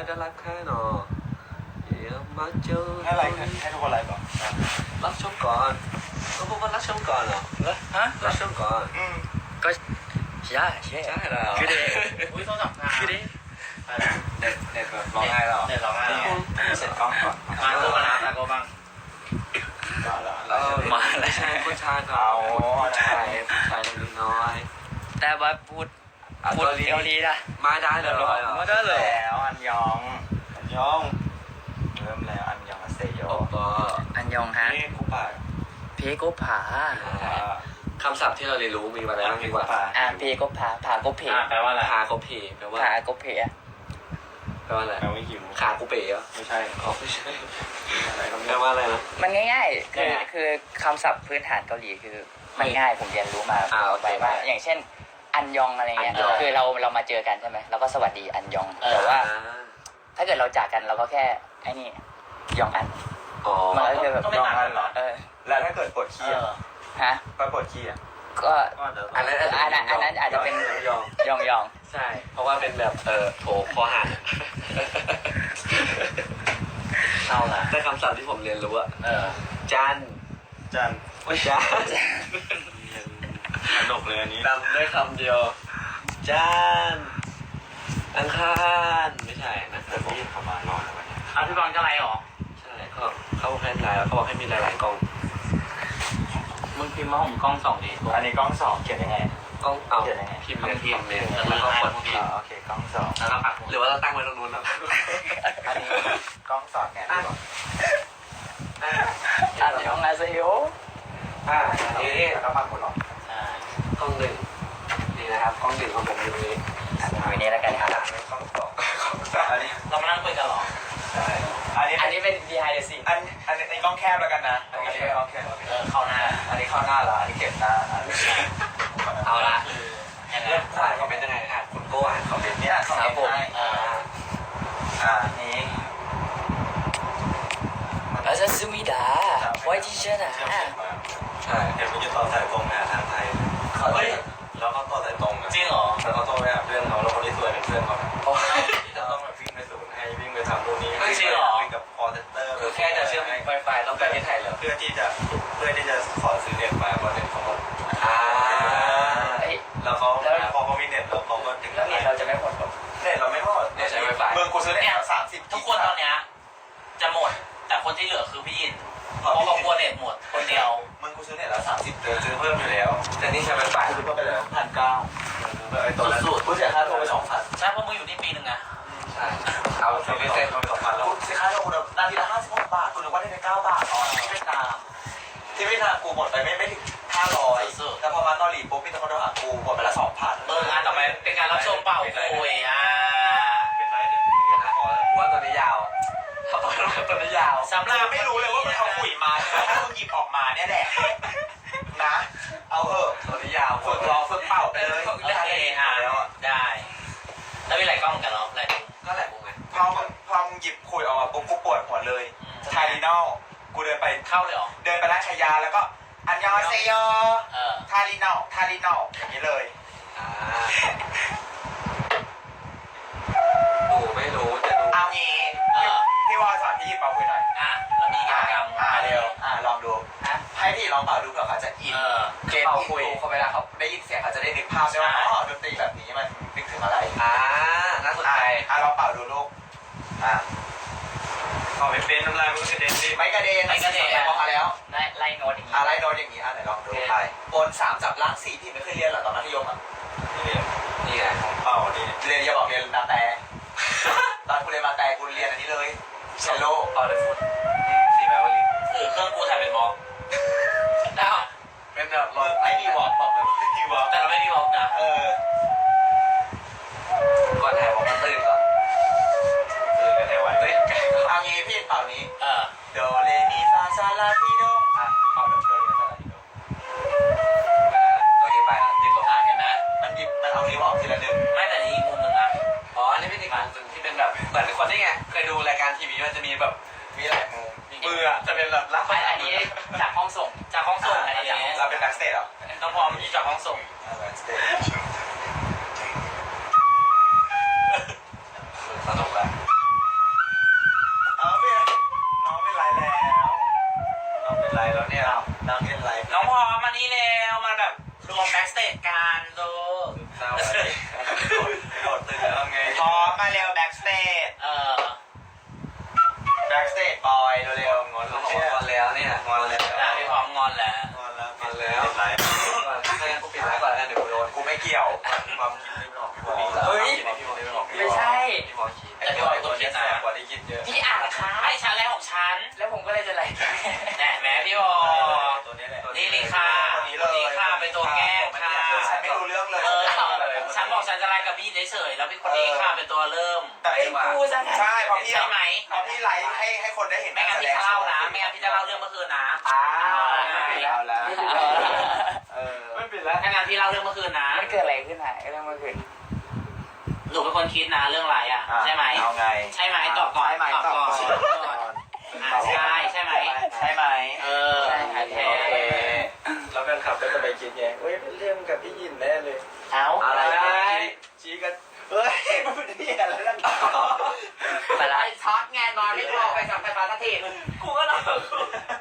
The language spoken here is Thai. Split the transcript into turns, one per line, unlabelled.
จะรักแค่หนอเดี๋ยวมาเจอ
ให้อะไรให้ทุกคนอะไรก่อน
รักชมก่อนก็พูดว่ารักชมก่อนเหรอ
ฮะ
รักชมก่อน
ก็ใช่
แล้ว
คือเด็ก
อุ้ยโทรศัพท์งาน
คือเด็ก
เด็กแบบร้องไห้หรอ
เดี๋ยวเราให้
เสร็จกล้องก่อน
มาโกบ้างนะโกบ้าง
มาแล้ว
ใช่ผู้ชายเขาผู้ชายเล็กน้อย
แต่ว่าพูดเกาหลีนะ
มาได้เลยเหรอ
ไม่ได้เลย
แล้วอันยองเริ่มแล้วอันยองอาเซโย
โอ้โห
อันยองฮะ
นี่คุปะ
เพโกผา
คำศัพท์ที่เราเรียนรู้มีมาแล้วดีกว่า
เพโกผาผาโกเพ
แปลว่าอะไร
พาเขาเพแปลว่า
ผาโกเพอะ
แปลว่าอะไร
แปลว่าหิว
ขากูเป๋เหรอ
ไม่ใช่
อ๋อไม่ใช่
อะไรก็
แปลว่าอะไรนะ
มันง่ายๆคือคำศัพท์พื้นฐานเกาหลีคือมันง่ายผมเรียนรู้มาไปว่าอย่างเช่นอันยองอะไรเงี้ยคือเรามาเจอกันใช่ไหมเราก็สวัสดีอันยองแต่ว่าถ้าเกิดเราจากกันเราก็แค่ไอ้นี่ยองอัน
อ๋อ
มันก็จะแบบ
ยองอันเหรอ แล้วถ้าเกิดปวดขี้
ฮะ
ไปปวดขี้อ่ะ
ก็
อันนั้น
อาจจะเป็น
ยอง
ยอง
ใช่ เพราะว่าเป็นแบบโถคอหัก
เอาละ
แต่คำศัพท์ที่ผมเรียนรู้อะ จัน
ไม่ใช่ สนุกเลยอันนี้
จำได้คำเดียวจันอังคารไม่ใช่นะ
แต่ผมเขามานอนแล้ววันนี้
อ่ะพี่บอลจะอะไรหรอ
ใช่เขาให้ไลน์แล้วเขาบอกให้มีหลายๆกล้อง
มึงพิมพ์มาผมกล้องสองดี
อันนี้กล้อง2เขียนยังไง
กล้องเอา
เขียนยังไง
พิมพ์ในคอมเมนต์แล้วก็กดพิมพ์
โอเคกล้อง2
แล้วก็ปัก
หรือว่าเราตั้งไว้ตรงนู้นแล้ว
อันนี้กล้องสอดไงดีกว่า
อันยองอาเซโย
อันนี้
แล้วก็มาหมดหรอก
ล้องหนึ่งนี่นะครับกล้องหนึ่งของผมอยู่ตรงนี้
วันนี้แล้วกันครับ
กล้อง2อันนี้
เรามานั่งคุยกันหรอ
อันนี้เป็น behind the scene
อันนี้กล้องแคบแล้วกันนะอันนี้กล้องแคบ
เข้าหน้า
อันนี้เข้าหน้าละอันนี้เก็บหน้า
เอาละ
ยังไง
เริ่มอ่านคอมเมนต์ยังไงคุณโก้อ่านคอมเมนต์
เนี่ยสอง
ครับผม
นี้
อาซาซูมิดาไว้ที่เชนะ
ใช่
เห็นมันจะต่อสายตรงนะทางไทยเฮ้ยแล้วเขาต่อสายตรงนะ
จริงเหรอ
แล้วเขาต้องไปหาเพื่อนเขาแล้วคนที่สวยเป็นเพื่อนเขาจะต้องแบบวิ่งไปศูนย์ให้วิ่งไปทำนู่นนี่วิ่งกับคอเซ็นเตอร์
คือแค่จะเชื่อม Wi-Fi ต้องไปที่ไทยเหรอ
เพื่อที่จะขอซื้อเน็ตมาเพราะเน็ตเขาหมด แล้วเขาพอเขามีเน็ตแล้วเขาก็ถึง
แล้วเน็ตเราจะไม่หมดหรอ
เน็ตเราไม่หมด
เนี่ยใช้ Wi-Fi
เมืองกูซื้อเน็ตแล้ว30
ทุกคนตอนเนี้ยจะหมด แต่คนที่เหลือคือพี่ยินเพราะเขากลัวเน็ตหมดคนเดียว
เมืองกูซื้อเน็ตแล้ว30เดือนซื้อเพิ่มอยู่แล้ว
แต่นี่ใช้ Wi-Fi
ซื้อเพิ่มไปแล้ว1,900ไอ้ตัวนั้นกูเสียค่าโทรไป2,000
ใช่เพราะมึงอยู่นี่ปีหนึ่งอะ
ใช่เอาซื้อไม่เสร็จ
2,000แล้วเสียค่าโทรกูนาทีละ56 บาทกูนึกว่าได้ไป9 บาทอ๋อที่เวียดนามกูหมดไปไม่ถึง500แต่พอมาเกาหลีปุ๊บมีแต่คนโทรหากูหมดไปละ 2,000
งานต่อไปเป็นการรับชมเปล่าคุย
เป็นไรเนี่ย
ว่าตัวนี้ยาวเขาบอกว่าตัวนี้ยาว
สำหรับ
ไม่รู้เลยว่ามันเอาขุยมาถ้ามึงหยิบออกมาเนี่ยแหละนะ เอาเถอะ
ตัวนี้ยาว
ฝึกร้องฝึกเป่าไปเลย
โอเคได้ แล้วมีหลายกล้องกันเหรอหลาย
ก็แหละมุมไง
พอมึงหยิบขุยออกมาปุ๊บกูปวดหัวเลยไทลินอลกูเดินไป
เข้าเลยเหรอ
เดินไปร้านขายยาแล้วก็อันยองเซโย ทาลินอลอย่างนี้เลย
ดูไม่รู้จะดู
เอางี้พี่วอลสอนพี่หยิบเป่าขุยหน่อย
แล้วมีกิจกรรม
เร็วลองดูให้พี่ลองเป่าดูเผื่อเขาจะอินเกมที่คุยเขาเวลาเขาได้ยินเสียงเขาจะได้นึกภาพได้ว่าอ๋อดนตรีแบบนี้มันนึกถึงอะไร
น่าสนใจ
ลองเป่าดูลูกขอไม่เป็นน้ำลายมันก็กระเด็นดิไม่กระเด็นพอแล้ว
ไล่โน้ตอย่างนี้
อะไรโดนอย่างนี้ไหนลองดูไปบน3จับล่าง4พี่ไม่เคยเรียนหรอตอนมัธยมเรียน
นี่ไง
เป่านี่เรียนอย่าบอกเรียนนาแต่ตอนกูเรียนมาแต่กูเรียนอันนี้เลยเชลโล
เอาเลยฟุต
ซีแมวลี
คือเครื่องกูถ่ายเป็นบล็อกแล้ว
เป็นแบบรถ
ไม่มีวอล์กบอกเลยไม่มีวอล์ก
แต่เราไม่มีบล็อกนะ
ก่อนถ่ายผมมาตื่นก่อน
กันได้ไหวเอางี้พี่เป่านี้โดเรมีฟาซาลาทีโดเป่าโดเรมีฟาซาลาทีโด
ตัวนี้ไปแล้วติดลม
เห็นไหม
มันเอานิ้วออกทีละหนึ่ง
ไม่แต่อีกมุมหนึ่งนะ
อ๋ออันนี้เป็นอีกมุมหนึ่งที่เป็นแบบเหมือนคนที่ไงเคยดูรายการทีวีมันจะมีแบบ
มีหลายมุมมือจะเป็นแบบลัก
ไม่อันนี้จากห้องส่ง
จากห้องส่งอันนี้
เราเป็นแบ็กสเตจเหรอ
ต้องพร้อมที่จากห้องส่ง
แบ็กสเตจ
สนุกแหละ
จกันดู
เศร้าเลยโดดตึกแล้วไงพร้อมมาเร็วแบ็กสเตจแบ็กสเตจบอยเร็วๆงอนแล้วเนี่ยงอนแล้ว
พี่พร้อมงอนแล้ว
งอนแล้วปิดไลฟ์กูปิดไลฟ์ก่อนแล้วเดี๋ยวกูโดนกูไม่เกี่ยวความคิดไม่ออกพี่บอล
เฮ้ย
พี่บอลไม่ออก
ไม่ใช่
พี่บอลคิดแต่พี่บอลคนคิดนะกว่าที่คิดเยอะ
พี่อ่านค่ะ
ให้ชั้นแรกของฉัน
แล้วผมก็เลยจะไลฟ์
แหน่แม่พี่บอ
ตัวนี้แหละ
นี่ลีค่ะลีค่ะเป็นตัวแก้ค่ะ
ฉันไม่รู้เรื่องเลย
ฉันบอกฉันจะไล่กับพี่เฉยๆแล้วพี่คนนี้ค่ะเป็นตัวเริ่ม
แต่
ไอ้กูจะไง
ใช่เพราะพี่
ใช่ไหม
เพราะพี่ไลฟ์ให้คนได้เห็น
ไม่งั้นพี่จะเล่านะไม่งั้นพี่จะเล่าเรื่องเมื่อคืนนะ
ไม่ปิดแล้วแล้วไม่ปิดแล้ว
ถ้างั้นพี่เล่าเรื่องเมื่อคืนนะ
มันเกิดอะไรขึ้นอ่ะเรื่องเมื่อคืน
หนูเป็นคนคิดนะเรื่องอะไรอ่ะใช่ไหม
เอาไง
ใช่ไหมตอบก่อนตอบก่อนใช่ใช่ไหม
ใช่ไหม
ใช่ค่ะ
โอเคแล้วแฟนคลับก็จะไปคิดไงเฮ้ยเป็นเรื่องกับพี่ยินแน่เลย
เอา
อะไรชี้กันเฮ้ยมันเป็นเรื่องอะไรนั่น
ไปละ
ช็อตไงนอนไม่พอไปสัมภาระทีกูก็นอน